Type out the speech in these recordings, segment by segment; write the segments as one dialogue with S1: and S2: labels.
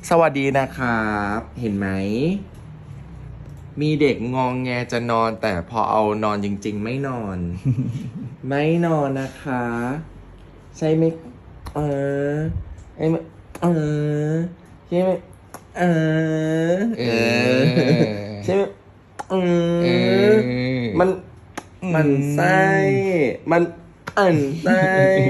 S1: สวัสดีนะครับ เห็นไหม มีเด็กงองแงจะนอนแต่พอเอานอนจริงๆไม่นอน ไม่นอนนะคะ ใช่ไหมไอ้เออใช่ไหมเออเออใช่ไหมเออมันมันไส้มันอันไส้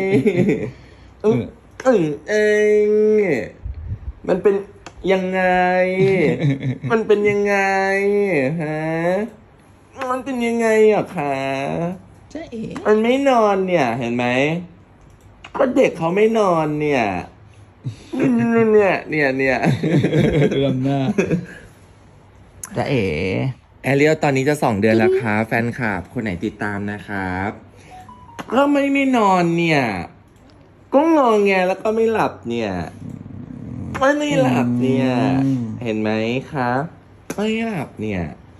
S1: เองมันเป็นยังไง มันเป็นยังไงฮะมันเป็นยังไงอ่ะคะจ๊ะเอ๋มันไม่นอนเนี่ย เห็นไหมก็เด็กเขาไม่นอนเนี่ยเนี่ย
S2: เริ่มหน้าจ๊ะเอ๋
S1: แอเรียลตอนนี้จะ2 เดือนแล้วครับแฟนคลับคนไหนติดตามนะครับก็ไม่นอนเนี่ย ก็งอแงแล้วก็ไม่หลับเนี่ยไม่หลับเนี่ย เห็นไหมครับไม่หลับเนี่ย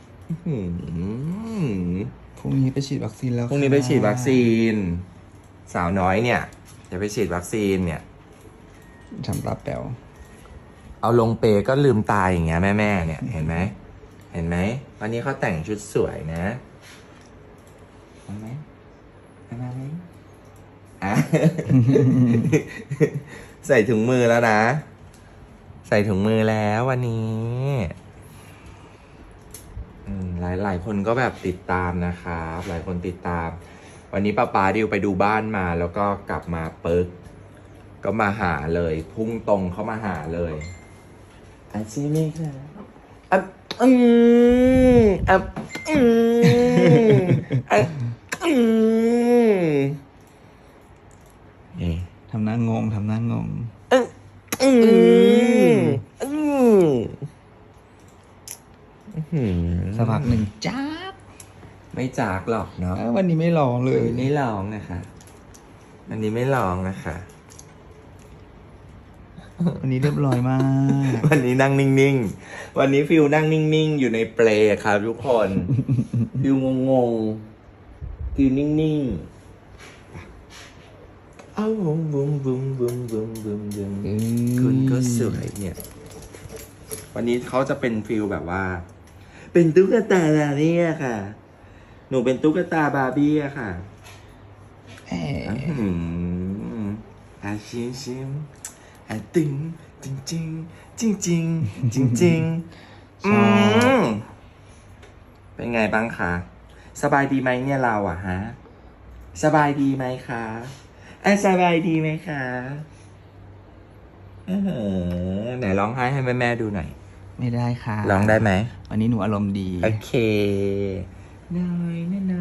S2: พรุ่งนี้ไปฉีดวัคซีนแล้ว
S1: พรุ่งนี้ไปฉีดวัคซีน สาวน้อยเนี่ยจะไปฉีดวัคซีนเนี่ย
S2: ทำตาแป๋ว
S1: เอาลงเปก็ลืมตาอย่างเงี้ยแม่เนี่ยเห็นไหมเห็นไหมวันนี้เขาแต่งชุดสวยนะเห็นไหมเห็นไหมใส่ถุงมือแล้วนะ ใส่ถุงมือแล้ววันนี้หลายคนก็แบบติดตามนะครับหลายคนติดตาม วันนี้ป้าดิวไปดูบ้านมาแล้วก็กลับมาปึ๊กก็มาหาเลยพุ่งตรงเข้ามาหาเลยใช่ไหมคะ
S2: ทำหน้างงทำหน้างงสักพักหนึ่งจ้าบ
S1: ไม่จากหรอกเนาะ
S2: วันนี้ไม่ร้องเลย
S1: ไม่ร้องนะคะวันนี้ไม่ร้องนะคะ
S2: วันนี้เรียบร้อยมาก
S1: วันนี้นั่งนิ่งๆวันนี้ฟิลนั่งนิ่งๆอยู่ในเปลครับทุกคน ฟิลงงๆฟิลนิ่งๆอ้าวบุ้มคุณก็สวยเนี่ย วันนี้เขาจะเป็นฟิลแบบว่า เป็นตุ๊กตาบาร์บี้อะค่ะ หนูเป็นตุ๊กตาบาร์บี้อะค่ะชิมตึงจริงเป็นไงบ้างคะสบายดีไหมเนี่ยเราอะฮะสบายดีไหมคะสบายดีไหมคะไหนร้องไห้ให้แม่ดูหน่อย
S2: ไม่ได้ค่ะ
S1: ร้องได้ไหม
S2: วันนี้หนูอารมณ์ดี
S1: โอเคน้อย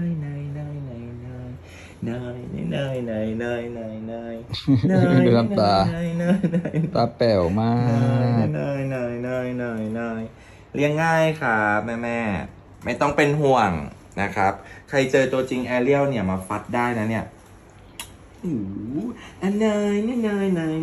S2: ดูน้ำตาตาแป๋วมาก
S1: เลี้ยงง่ายครับแม่ไม่ต้องเป็นห่วงนะครับใครเจอตัวจริงแอเรียลเนี่ยมาฟัดได้นะเนี่ยนายเป็นไง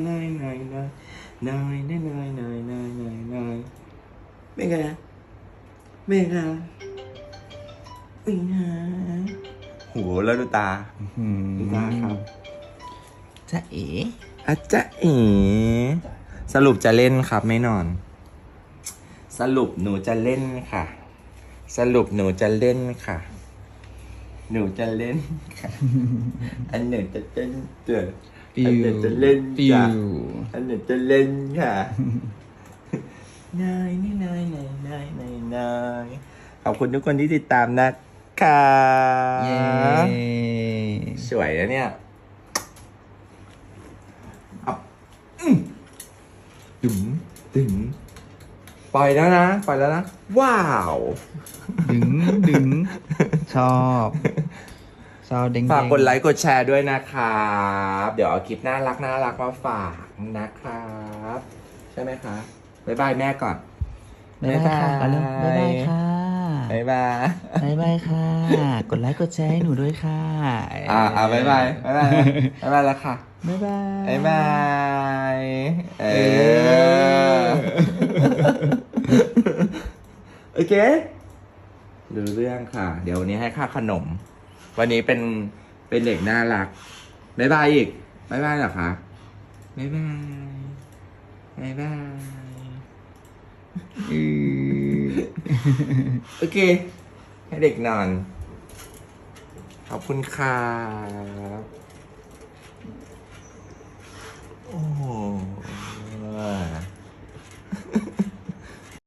S1: โหแล้วดูตาครับ
S2: จ๊ะเอ๋
S1: จ๊ะเอ๋สรุปจะเล่นครับไม่นอนสรุปหนูจะเล่นค่ะหนูจะเล่นค่ะอันหนูจะเล่นอันหนูจะเล่นจ้ะอันหนูจะเล่นค่ะนายขอบคุณทุกคนที่ติดตามนะคะสวยนะเนี่ยตึงปล่อยแล้วนะว้าว
S2: ดึงชอบเด้ง
S1: ฝากกดไลค์กดแชร์ด้วยนะครับเดี๋ยวเอาคลิปน่ารักมาฝากนะครับใช่ไหมคะบ๊ายบายแม่ก่อน
S2: บ๊ายบายค่ะบ๊ายบายค่ะ
S1: บ๊ายบาย
S2: ค่ะกดไลค์กดแชร์ให้หนูด้วยค่ะ
S1: บ๊ายบายแล้วค่ะ
S2: บ๊ายบาย
S1: โอเคดูเรื่องค่ะเดี๋ยววันนี้ให้ค่าขนมวันนี้เป็นเด็กน่ารักบ๊ายบายอีกบ๊ายบายเหรอคะบ๊ายบายโอเค ให้เด็กนอน ขอบคุณครับ